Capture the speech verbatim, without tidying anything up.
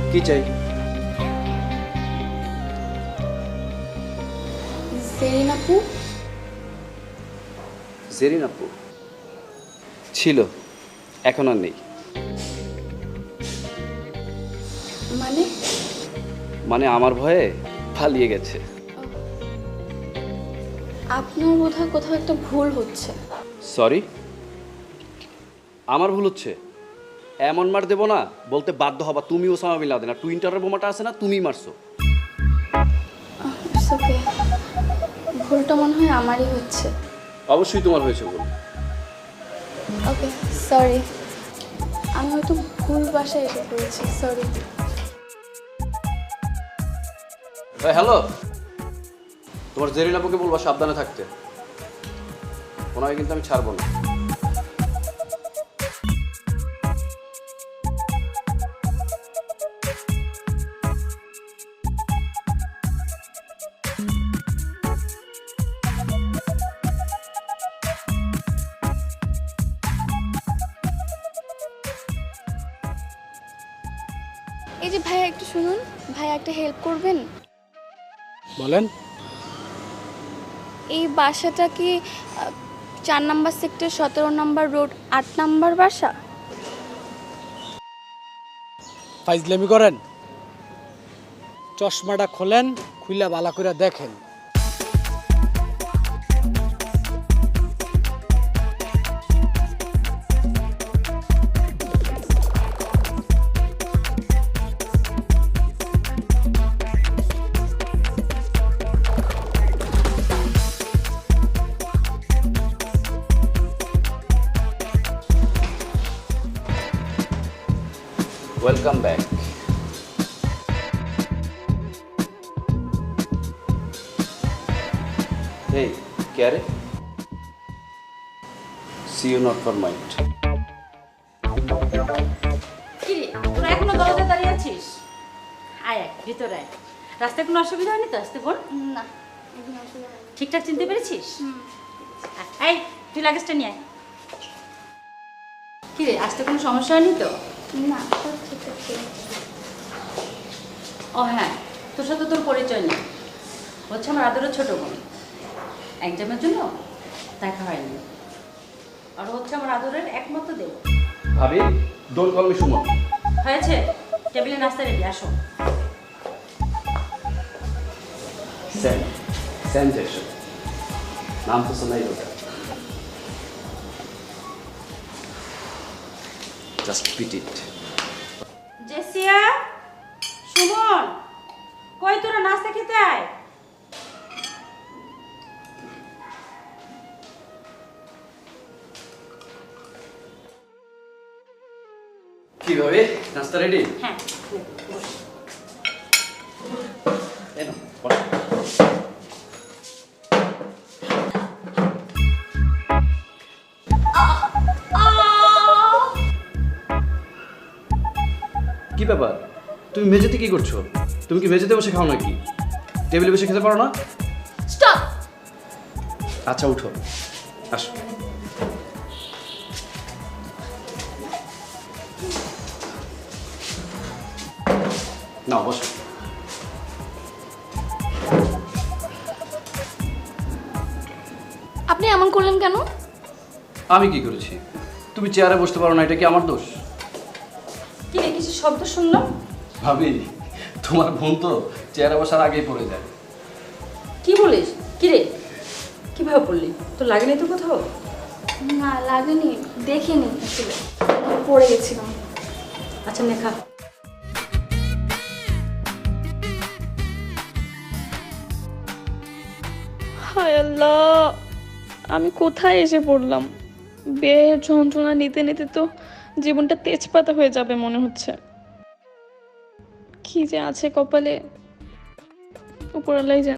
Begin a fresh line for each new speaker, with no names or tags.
কি চাই?
জেরিন আপু?
জেরিন আপু ছিল, এখন আর নেই।
মানে?
মানে আমার ভয়ে পালিয়ে গেছে।
আপনার বোধহয় কোথাও একটা ভুল হচ্ছে।
সরি, আমার ভুল হচ্ছে? এমন মার দেবো না বলতে বাধ্য হবা তুমি ওসামা বিন লাদেন, আর টুইন্টারের বোমাটা আছে না তুমিই মারছো।
ইটস ওকে, ভুলটা মনে হয় আমারই হচ্ছে।
অবশ্যই তোমার হয়েছে ভুল।
ওকে সরি, আমি হয়তো ভুল বাসায় এসে পড়েছি, সরি।
হ্যালো, তোমার জেরিন আপুকে বলবা সাবধানে থাকতে, ওনাকে কিন্তু আমি ছাড়বো না।
এই যে ভাইয়া একটু শুনুন, ভাইয়া একটা হেল্প করবেন?
বলেন।
এই বাসাটা কি আহ, চার নাম্বার সেক্টর, সতেরো নাম্বার রোড, আট নাম্বার বাসা?
ফাইজলামি করেন? চশমাটা খোলেন, খুইলা বালা করে দেখেন।
Welcome back. এই কে আরে? See you not for mind.
কি রে, তোরা এখনো দরজায় দাঁড়িয়ে আছিস? আয় আয়, ভিতরে আয়। রাস্তায় কোনো অসুবিধা হয়নি তো? আসতে বল।
না, এখানে অসুবিধা নেই।
ঠিকঠাক চিনতে পেরেছিস? আয়, এই তুই লাগেজটা নিয়ে আয়। কি রে, আসতে কোনো সমস্যা হয়নি তো?
না, সব ঠিক আছে।
ও হ্যাঁ, তোর সাথে তোর পরিচয় নেই, হচ্ছে আমার আদরের ছোট বোন। এক্সামের জন্য দেখা হয়নি, আর হচ্ছে আমার আদরের একমাত্র দেব।
ভাবি, ডোন্ট কল মি সুমন।
হয়েছে, টেবিলে নাস্তা রেডি, আসো।
স্যান স্যান জ্যাকসন, নাম তো শোনাই ওটা। জাস্ট পিট ইট।
জেসিয়া, সুমন, কই তোরা নাস্তা খেতে আয়।
কি ভাবে, নাস্তা রেডি?
হ্যাঁ, বস।
এই নাও, বসো। কি ব্যাপার, তুমি মেঝেতে কি করছো? তুমি কি মেঝেতে বসে খাও নাকি? টেবিলে বসে খেতে পারো না?
স্টপ!
আচ্ছা উঠো, আসো। না বসো।
আপনি এমন করলেন কেন?
আমি কি করেছি? তুমি চেয়ারে বসতে পারো না, এটা কি আমার দোষ?
কি রে, কিছু শব্দ শুনলাম?
ভাবি, তোমার বোন তো চেয়ারে বসার আগেই পড়ে যায়।
কি বলিস? কি রে, কিভাবে পড়লি? তোর লাগেনি তো কোথাও?
না লাগেনি, দেখিনি আসলে, পড়ে গেছিলাম।
আচ্ছা লেখা।
হায় আল্লাহ, আমি কোথায় এসে পড়লাম? বেয়ে যন্ত্রণা নিতে নিতে তো জীবনটা তেজপাতা হয়ে যাবে মনে হচ্ছে। কি যে আছে কপালে, উপরওয়ালাই জানে।